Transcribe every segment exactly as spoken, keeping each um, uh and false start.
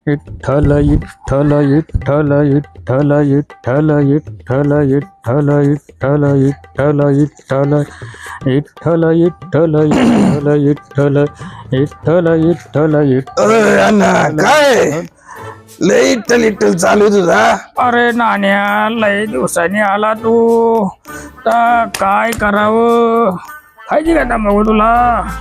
विठ्ठल विठ्ठल विठ्ठल विठ्ठल विठ्ठल विठ्ठल विठ्ठल विठ्ठल विठ्ठल विठ्ठल विठ्ठल विठ्ठल विठ्ठल विठ्ठल विठ्ठल विठ्ठल विठ्ठल काय लय इट्टल इट्टल चालू तुझा. अरे नाण्या, लय दिवसांनी आला तू तर काय करावं? खायची का मग तुला?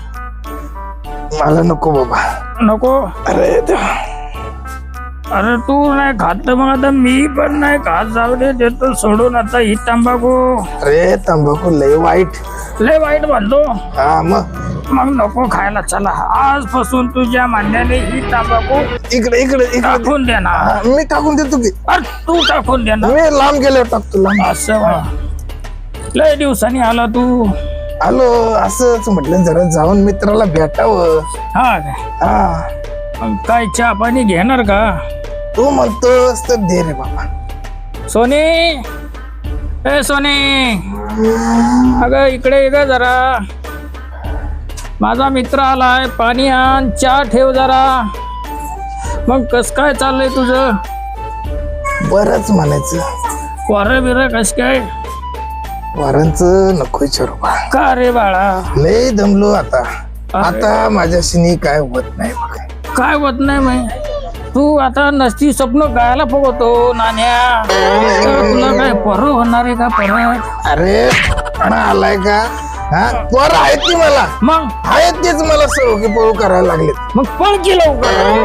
मला नको बाबा, नको. अरे देवा. अरे तू नाही खात मग आता मी पण नाही खात. जाऊ दे, देतो सोडून आता ही तंबाखू. अरे तंबाखू लय वाईट. लय वाईट म्हणतो. हा मग मग नको खायला. चला आजपासून तुझ्या म्हणण्याने ही तंबाखू इकडे इकडे इकडे टाकून दे ना. हा, मी टाकून देतो की. अरे तू टाकून दे ना. मी लांब गेल्यावर टाकतो लांब. असं वा. लय दिवसांनी आला तू. आलो असंच म्हटलं जरा जाऊन मित्राला भेटावं. हा काय? हा मग काय चहा पाणी घेणार का? तू म्हणतोस तर दे रे बाबा. सोने, ए सोने, अगं इकडे ये ग जरा. माझा मित्र आलाय, पाणी आण, चहा ठेव जरा. मग कस काय चाललंय तुझं? बरंच म्हणायचं. वारं बिर कस काय? वारांचं नको विचारू बा. का रे बाळा? लय दमलो आता. आता माझ्याशी काय होत नाही बघ. काय होत नाही मग? तू आता नसती स्वप्न गायला बघतो नाण्या. तुला काय परत होणार आहे का परत? अरे पण आलाय का? हा पोर आहेत ती मला. मग आहेत तेच मला सवकी पळू करायला लागले. मग पण केलं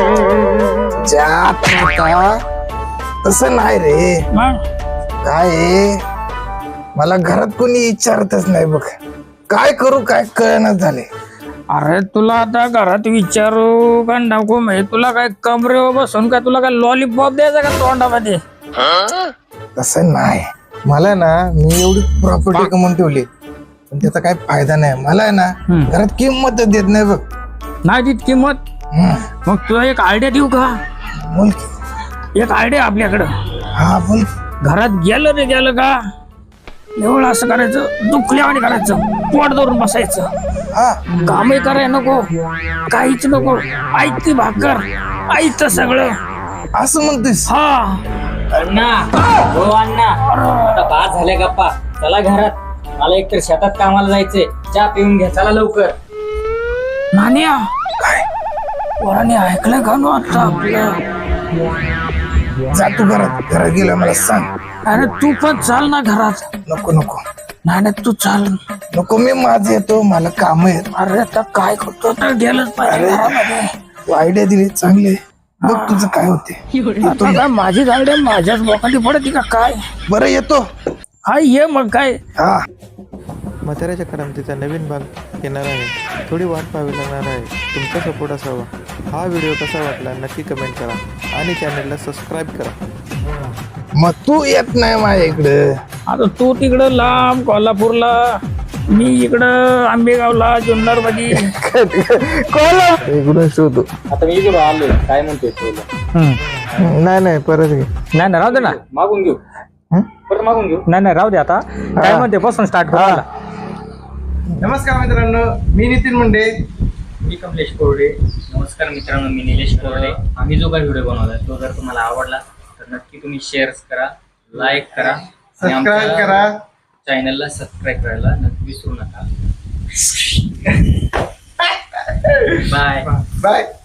का? तसं नाही रे. मग काय मला घरात कोणी विचारतच नाही बघ. काय करू काय कळणार झाले. अरे तुला आता घरात विचारू का नको? माहिती तुला काय कमरेवर बसून काय तुला काय लॉलीपॉप द्यायचा का तोंडामध्ये? तसं नाही. मला ना मी एवढी प्रॉपर्टी कमवून ठेवली पण त्याचा काय फायदा नाही. मला आहे ना घरात किंमत देत नाही बघ. नाही देत किंमत? मग तुला एक आयडिया देऊ का? बोल की. एक आयडिया आपल्याकडं. हा बोल. घरात गेलं रे गेलं का एवढं असं करायचं, दुखल्यावानी करायचं, पोट धरून बसायचं. हा कामही कराय नको, काहीच नको. ऐकती भाकर, ऐकतं सगळं. असं म्हणतोस? हा अण्णा, हो अण्णा, आता बाद झाले गप्पा. चला घरात. मला एकतर शेतात कामाला जायचंय. चहा पिऊन घ्या, चला लवकर. नाण्या, काय वराने ऐकलं का नो आता आपलं? जा तू घरात. घरात गेला मला सांग. अरे तू पण चाल ना घरात. नको नको नाही तू चाल. नको मी माझं येतो. मला काम आहेत. अरे आता काय करतो तर गेलंच पाहिजे घरामध्ये. तू आयडिया दिली चांगले. बघ तुझं काय होते. आता काय माझी गाडी माझ्याच बोकांडी पडते का काय? बरं येतो. हा ये मग काय. हा म्हाताऱ्याच्या करामतीचा नवीन भाग येणार आहे. थोडी वाट पाहावी लागणार आहे. तुमचा सपोर्ट असावा. हा व्हिडिओ कसा वाटला नक्की कमेंट करा आणि चॅनलला सबस्क्राईब करा. मग तू येत नाही माझ्या इकडं. आता तू तिकडं लांब कोल्हापूरला, मी इकडं आंबेगावला, जुन्नर मध्ये. इकडून शोधू. आता मी इकडे आलोय. काय म्हणतोय तुला? नाही नाही परत घे. नाही नाही राहू दे ना. मागून घेऊ. परत मागून घेऊ. नाही नाही राहू दे. आता काय म्हणते बसून स्टार्ट करा. नमस्कार मित्रांनो, मी नितीन मुंडे. मी कमलेश कोरडे. नमस्कार मित्रांनो, मी निलेश कोरडे. आम्ही जो काही व्हिडिओ बनवला तो जर तुम्हाला आवडला तर नक्की तुम्ही शेअर करा, लाईक करा, सबस्क्राईब करा. चॅनलला सबस्क्राईब करायला नक्की विसरू नका. Bye bye.